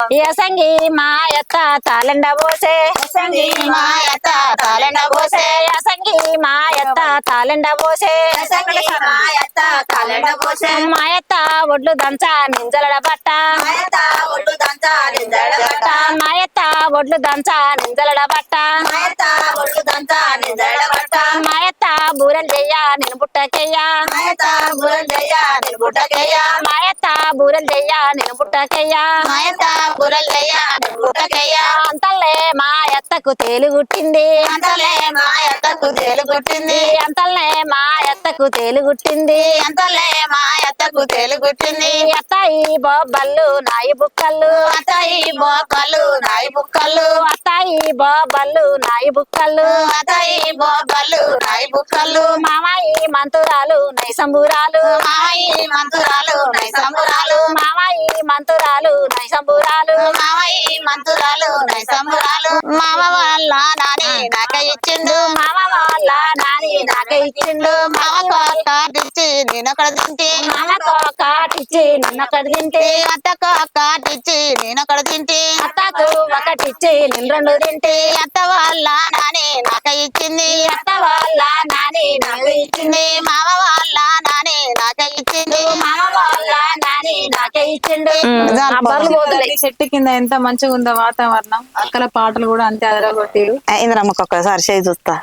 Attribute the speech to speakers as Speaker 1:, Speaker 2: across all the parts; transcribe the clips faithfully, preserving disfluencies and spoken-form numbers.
Speaker 1: యసంగి మాయత్త తాళండ పోసే
Speaker 2: యసంగి మాయత్త తాళండ పోసే
Speaker 1: యసంగి మాయత్త తాళండ పోసే
Speaker 2: యసంగి మాయత్త తాళండ పోసే
Speaker 1: మాయత్త ఒడ్లు దంచ నింజలడ బట్ట
Speaker 2: మాయత్త ఒడ్లు దంచ నింజలడ బట్ట
Speaker 1: మాయత్త ఒడ్లు దంచ నింజలడ బట్ట
Speaker 2: మాయత్త ఒడ్లు దంచ నింజలడ బట్ట
Speaker 1: మాయత్త బూరెలు చెయ్య నేను బుట్టకెయ్య
Speaker 2: మాయత్త బూరెలు చెయ్య నేను బుట్టకెయ్య
Speaker 1: మాయత్త బూరెలు చెయ్య నేను బుట్టకెయ్య
Speaker 2: మాయత్త బూరెలు చెయ్య నేను బుట్టకెయ్య
Speaker 1: అంతల్లే మా ఎత్తకు తేలుగుట్టింది
Speaker 2: అంతలే మాయత్తకు తేలుగుట్టింది
Speaker 1: అంతల్లే మా ఎత్తకు తేలుగుట్టింది
Speaker 2: అంతలే మాయత్తకు తేలుగుట్టింది
Speaker 1: అత్తాయి బొబ్బళ్ళు నాయి బుక్కళ్ళు
Speaker 2: అతాయి బోకలు నాయి బుక్కలు
Speaker 1: అత్తాయి బొబ్బళ్ళు నాయి బుక్కళ్ళు
Speaker 2: అతాయి బోకలు నాయి బుక్కలు
Speaker 1: మామాయి మంతురాలు నై సంబురాలు
Speaker 2: మాయి మంతురాలు నై సంబురాలు
Speaker 1: మామాయి మంతురాలు నై సంబురాలు
Speaker 2: మామయ్య మంతురాలు నై సంబురాలు మామ వాళ్ళ నాని నాక ఇచ్చిండు
Speaker 1: మామ వాళ్ళ నాని నాక ఇచ్చిండు
Speaker 2: మామ కాటిచ్చి నేనొకడ తింటే
Speaker 1: మామకు కాటిచ్చి నన్నొకటి తింటే
Speaker 2: అత్తకు కాటిచ్చి నేనొకడ తింటే
Speaker 1: అత్తకు ఒకటిచ్చి నేను రెండు తింటే
Speaker 2: అత్త వాళ్ళ నాని నాక ఇచ్చింది
Speaker 1: అత్త వాళ్ళ నాని నాకు ఇచ్చింది
Speaker 2: మామ వాళ్ళ నాని నాక ఇచ్చింది
Speaker 1: మామ వాళ్ళ నాని నాకే ఇచ్చిండు
Speaker 3: చెట్టు కింద ఎంత మంచిగా ఉందో వాతావరణం. అక్కల పాటలు కూడా అంతే అదరగొట్టిరు.
Speaker 2: ఇంద్రమ్మకి ఒక్కసారి చేయి చూస్తా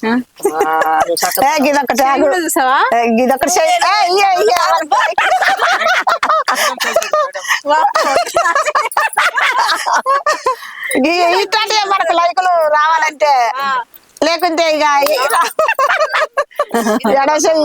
Speaker 3: చూసావా
Speaker 2: ఇదొకటి ఇట్లాంటి మనకు లైకులు రావాలంటే లేకుంటే ఇక ఎడచెయ్యి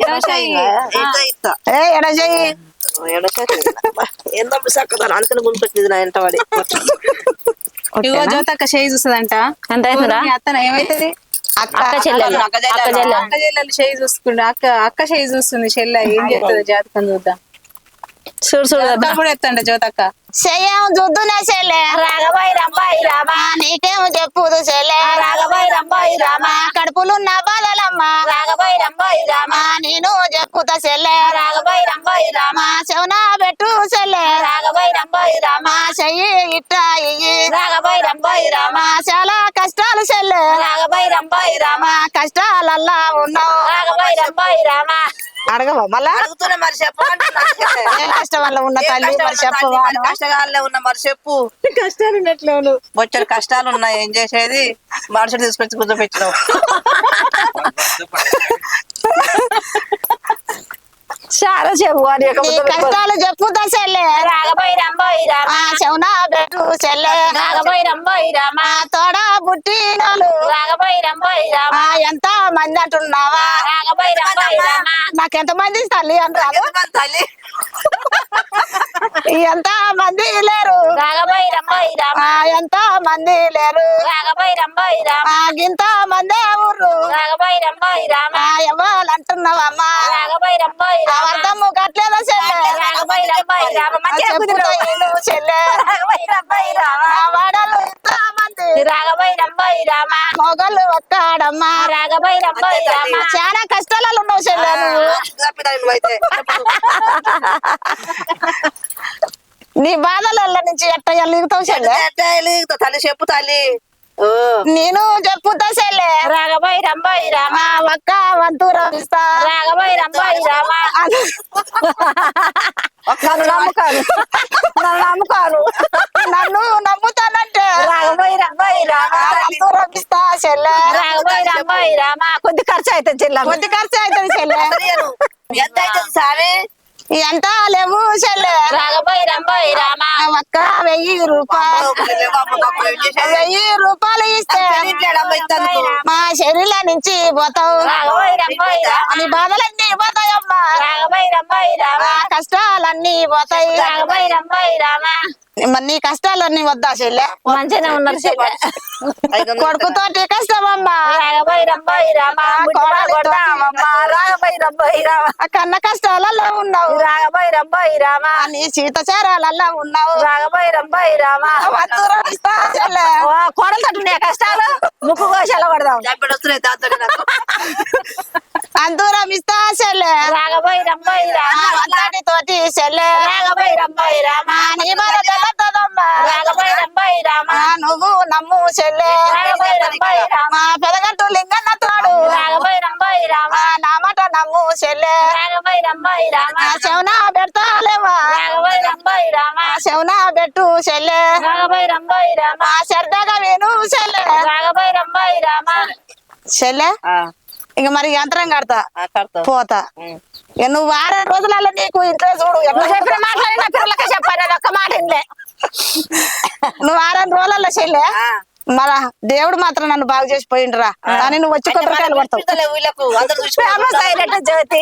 Speaker 2: ఏ ఎడచెయ్యి
Speaker 4: ఏందప్పుడు చక్కదాని అందుకని గుంపెట్టింది నా ఇంట వాడి
Speaker 3: ఇగో జ్యోతక్క చేయి చూస్తుందంట.
Speaker 1: అంటే
Speaker 3: అత్తన ఏమైతుంది
Speaker 1: అక్క చెల్లెలు అక్క చెల్లెలు
Speaker 3: అక్క చెల్లెలు చేయి చూసుకుంటా అక్క అక్క చేయి చూస్తుంది చెల్లె ఏం చెప్తుంది జాతకం చూద్దాం.
Speaker 1: చూడు చూడు
Speaker 3: కూడా ఎత్తండి జ్యోతక్క
Speaker 2: చెయ్యం చూద్దునే చెల్లె
Speaker 1: రాగబాయి రంబాయి రామా
Speaker 2: నీకేమో చెప్పుదు చెల్లె
Speaker 1: రాగబాయి రంబాయి రామా
Speaker 2: కడుపులున్న బాధలమ్మా
Speaker 1: రాగబాయి రంబాయి రామా
Speaker 2: నేను చెప్పుతా చెల్లె
Speaker 1: రాగబాయి రంబాయి రామా
Speaker 2: చెవున పెట్టు చెల్లె
Speaker 1: రాగబాయి రంబాయి రామా
Speaker 2: చెయ్యి ఇట్టా ఇయ్యి
Speaker 1: రాగబాయి రంబాయి రామా
Speaker 2: చాలా కష్టాలు చెల్లె
Speaker 1: రాగబాయి రంబాయి రామా
Speaker 2: కష్టాలల్లా ఉన్నావు
Speaker 1: రాగబాయి రంబాయి రామా
Speaker 2: అడగవా మళ్ళా
Speaker 4: అడుగుతున్నా మరి చెప్పమంటున్నా
Speaker 2: ఏ కష్టం వల్ల ఉన్న తల్లి మరి చెప్పవా
Speaker 4: కష్టకాలే ఉన్నా మరి చెప్పు
Speaker 3: కష్టాలు ఉన్నట్లు
Speaker 4: బొచ్చడి కష్టాలు ఉన్నాయి ఏం చేసేది మనుషులు తీసుకొచ్చి కూర్చోపెట్టినావు
Speaker 1: చాలా చెప్పు
Speaker 2: నీ కష్టాలు చెప్పుతా చెల్లె
Speaker 1: రాగబాయి రంబాయి రామా
Speaker 2: చెవున పెట్టు చెల్లె
Speaker 1: రాగబాయి రంబాయి రామా
Speaker 2: తోడ పుట్టినోళ్ళు
Speaker 1: రాగబాయి రంబాయి రామా
Speaker 2: ఎంత మంది అంటున్నావా
Speaker 1: రాగబాయి రంబాయి రామా
Speaker 2: నాకెంత మంది తల్లి అంటారు
Speaker 4: తల్లి
Speaker 2: ఎంత మంది లేరు
Speaker 1: రాగబాయి రంబాయి రామా
Speaker 2: ఎంత మంది లేరు
Speaker 1: రాగబాయి రంబాయి రామా
Speaker 2: ఇంత మందే ఊరు
Speaker 1: రాగబాయి రంబాయి రామా
Speaker 2: ఎవరు అంటున్నావమ్మా
Speaker 1: రాగబాయి రంబాయి రామా
Speaker 2: అర్థము కట్లేదా చెల్లె
Speaker 1: రాగబాయి రంబాయి రామా మంచిగా కుదిరావు.
Speaker 2: చెల్లె
Speaker 1: రాగబాయి రంబాయి రామా
Speaker 2: వాడలు ఇంత మంది
Speaker 1: రాగబాయి రంబాయి రామా
Speaker 2: మొగలు ఒక్కడమ్మా
Speaker 1: రాగబాయి రంబాయి రామా
Speaker 2: చాలా కష్టాలలో ఉన్నావు చెల్లె నువ్వు
Speaker 4: నువ్వైతే
Speaker 2: నీ బాధల నుంచి ఎట్ట ఎలుగుతావు చెల్లె
Speaker 4: తల్లి చెప్పు తల్లి
Speaker 2: నేను చెప్పుతా చెల్లె
Speaker 1: రాగబాయి రంబాయి రామా
Speaker 2: ఒక్క వంతు రమిస్తా
Speaker 1: రాగబాయి రంబాయి రామా
Speaker 2: నన్ను నమ్ముకాను నన్ను నమ్ముకాను నన్ను నమ్ముతానంటే
Speaker 1: రాగబాయి రంబాయి రామా
Speaker 2: వంతు రమిస్తా చెల్లె
Speaker 1: రాగబాయి రంబాయి రామా కొద్ది ఖర్చు అవుతుంది చెల్లె
Speaker 2: కొద్ది ఖర్చు అవుతుంది చెల్లె
Speaker 4: ఎంత అవుతుంది సామి
Speaker 2: ఎంత లేవు చెల్లె
Speaker 1: రాగబాయి రంబాయి రామా
Speaker 2: ఒక్క వెయ్యి రూపాయలు వెయ్యి రూపాయలు ఇస్తే మా శరీరం నుంచి పోతావు
Speaker 1: రాగబాయి రంబాయి రామా
Speaker 2: నీ బాధలన్నీ పోతాయమ్మా
Speaker 1: రాగబాయి రంబాయి రామా
Speaker 2: ఆ కష్టాలన్నీ పోతాయి
Speaker 1: రాగబాయి రంబాయి రామా
Speaker 2: మరి నీ కష్టాలన్నీ వద్దా చెల్లె
Speaker 1: మంచిగానే ఉన్నారు చెల్లె
Speaker 2: కొడుకుతోటి కష్టమమ్మా
Speaker 1: రాగబాయి రంబాయి రామా
Speaker 2: కోడలితో
Speaker 1: కొడతామమ్మా రాగబాయి రంబాయి రామా
Speaker 2: ఆ కన్న కష్టాలలో ఉన్నావు
Speaker 1: రాగబాయి రంబాయి రామా
Speaker 2: నీ సీతచారాలలో ఉన్నావు
Speaker 1: రాగబాయి రంబాయి రామా
Speaker 2: వంతు రమిస్తా చెల్లె
Speaker 1: కోడలు తట్టున్నాయి కష్టాలు ముక్కు కోశాల పడదాం
Speaker 4: చంపెడు వస్తున్నాయి దాంతో నాకు
Speaker 2: అంతు రమిస్తా చెల్లె
Speaker 1: రాగబాయి రంబాయి రామా
Speaker 2: తోటి చెల్లె
Speaker 1: రాగబాయి రంబాయి రామా
Speaker 2: నీ బాధ తెల్లదమ్మా
Speaker 1: రాగబోయి రంబాయి రామ
Speaker 2: ఆ, నువ్వు నమ్ము చెల్లె
Speaker 1: రాగబోయి రంబాయి రామ
Speaker 2: మా పెదగట్టు లింగన్న తోడు
Speaker 1: రాగబోయి రంబాయి రామ
Speaker 2: ఆ, నా మాట నమ్ము చెల్లె
Speaker 1: రాగబోయి రంబాయి రామ
Speaker 2: ఆ చెవున పెడతాలేవా
Speaker 1: రాగబోయి రంబాయి రామ
Speaker 2: ఆ చెవున పెట్టు చెల్లె
Speaker 1: రాగబోయి రంబాయి రామ
Speaker 2: ఆ సరదాగా విను చెల్లె
Speaker 1: రాగబోయి రంబాయి రామ
Speaker 2: చెల్లె
Speaker 4: ఆ,
Speaker 2: ఇక మరి యంత్రం కడతా
Speaker 4: ఆ, కడతావు.
Speaker 2: పోతా ఇక నువ్వు వారం రోజులలో నీకు ఇంట్లో చూడు ఎట్లా
Speaker 1: నువ్వు చెప్పిన మాటలు నా పిల్లలకే చెప్పాను అది ఒక్క మాట ఇందే
Speaker 2: నువ్వు వారం రోజులలో చెల్లె
Speaker 4: ఆ.
Speaker 2: మన దేవుడు మాత్రం నన్ను బాగు చేసి పోయిండ్రా కానీ నువ్వు వచ్చి కొబ్బరికాయలు కొడతావు
Speaker 4: పిలుస్తలే వీళ్ళకు అందరు
Speaker 1: ఫేమస్
Speaker 4: చూసి
Speaker 1: అయినట్టు జ్యోతి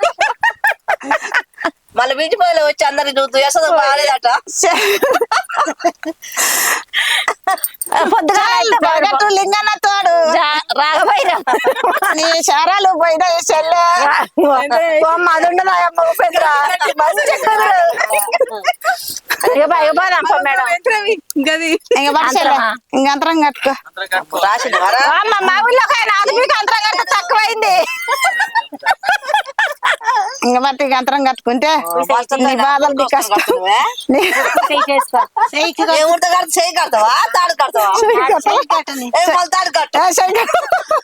Speaker 4: మళ్ళీ బీచ్ పోయలే వచ్చి అందరికి చూస్తూ యశోద బాగాలేదట
Speaker 1: పొద్దుగా
Speaker 2: పెరగట్టు లింగన్న తోడు
Speaker 1: రాగబోయి రామ
Speaker 2: నీ శారాలు పోయినాయి చెల్లె
Speaker 1: అది ఉండదా అమ్మ ఉపేంద్ర మంచి కుదురు ఇక బాయ్ పోదాం పో మేడం
Speaker 3: గది
Speaker 2: ఇంక పట్టు చెల్లె ఇంక అంతరం కట్టుకో
Speaker 4: రాసింది మరా
Speaker 1: అమ్మ మా ఊళ్ళోకైనా అది మీకు అంతరం కంటే తక్కువైంది
Speaker 2: ఇంక బట్టి ఇంక అంతరం కట్టుకుంటే నీ బాధలు నీ కష్టం నీ-
Speaker 4: ఏ ఊరితో కడతా చేయి కడతావా తాడు కడతావా ఏ మళ్ళీ తాడు కట్టు
Speaker 2: ఆ, చెయ్యి కట్టు.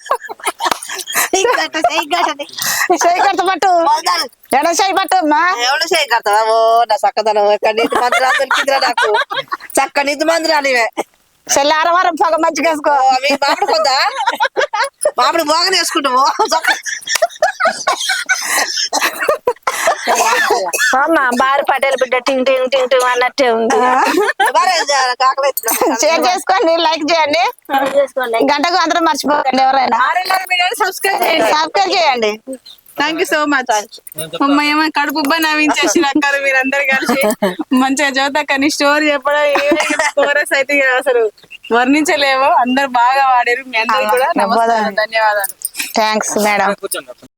Speaker 2: చెయ్యి కట్టు పట్టు
Speaker 4: మళ్ళీ తాడు
Speaker 2: ఎడ చెయ్యి పట్టు అమ్మా
Speaker 4: ఎవడు చేయి కడతావా ఓ నా చక్కదనం ఎక్కడ నీతి మందిరా దొరికిందిరా నాకు చక్క నీతి మందిరా నీవే
Speaker 2: చెల్లి ఆరవారం పొగ మంచిగా వేసుకో
Speaker 4: ఓ, మీ మామిడి పొద్దా మామిడి బాగానే వేసుకుంటాము
Speaker 1: అమ్మ బారు పటేల్ బిడ్డ టింగ్ టింగ్ టింగ్ టింగ్ అన్నట్టే ఉంది
Speaker 4: కాకలే
Speaker 2: షేర్ చేసుకోండి లైక్ చేయండి
Speaker 1: చేసుకోండి
Speaker 2: గంటకు అందరూ మర్చిపోకండి ఎవరైనా
Speaker 3: సబ్స్క్రైబ్ చేయండి.
Speaker 2: సబ్స్క్రైబ్ చేయండి
Speaker 3: థ్యాంక్ యూ సో మచ్ అమ్మ ఏమో కడుపు ఉబ్బ నవ్వించేసి అక్కలు మీరందరు కలిసి మంచిగా జ్యోతక్కని స్టోరీ చెప్పడం కోరస్ అయితే ఇక అసలు వర్ణించలేవు అందరు బాగా వాడారు మీ అందరికి కూడా నమస్కారం ధన్యవాదాలు
Speaker 2: థ్యాంక్స్ మేడం